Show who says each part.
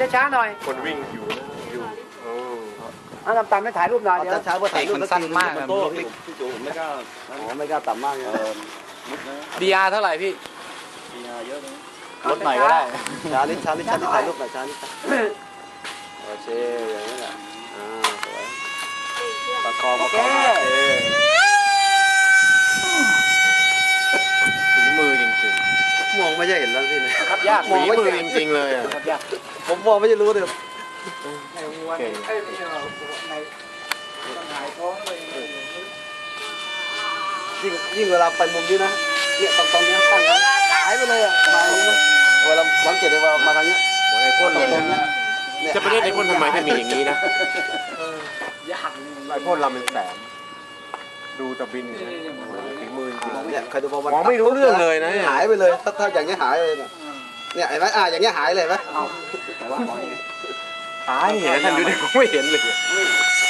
Speaker 1: ช้าๆหน่อย
Speaker 2: คนวิ่งอยู่นะอยู่
Speaker 1: เอาต่ำๆไม่ถ่ายรูปหน่อยเดี๋ยว
Speaker 3: ช้าเพื่อถ่ายรูป
Speaker 4: มันสั้นมาก
Speaker 3: โต้พี่จูไม่กล้าไม่กล้าต่ำมากเลย
Speaker 4: ดีอาร์เท่าไหร่พี่
Speaker 3: เยอะเลย
Speaker 4: ลดหน่อยก็ได้
Speaker 3: ช้านิดถ่ายรูปหน่อยช้านิดโอเคอย่างนี้แหละสวยประคองโอเค
Speaker 2: ฝีมือจริง
Speaker 3: มองไม่ใช่เห็นแล้วพี่เนี่ย
Speaker 1: ครับยาก
Speaker 2: ๆฝีมือจริงๆเลยอ่ะ
Speaker 1: ครับยาก
Speaker 3: ผมมองไม่ใช่รู้เลย
Speaker 1: ในวัวในไม่ใช่ในต้องหายท้องเลย
Speaker 3: ยิ่งเวลาไปมุมนี้นะเนี่ยตรงนี้ตั้งหายไปเลยอ่ะมาอย่างนี้นะเวลาสังเกตเลยว่ามาทางนี้
Speaker 2: ไอ้พ่น
Speaker 3: ตรงนี้
Speaker 2: จะไปเล่นไอ้พ่นทำไมให้มีอย่างนี้นะ
Speaker 1: ยาก
Speaker 2: ไอ้พ่นลำเป็นแสนดูตะบินฝีมือจริง
Speaker 3: เนี่ยใครดูบอล
Speaker 2: มองไม่รู้เรื่องเลยนะ
Speaker 3: หายไปเลยถ้าอย่างนี้หายเลยเนี่ยเห็นไหมอย่างนี้หายเลยไหม
Speaker 1: แต่ว่า
Speaker 2: ตายเห็นท่านดูดิผมไม่เห็นเลย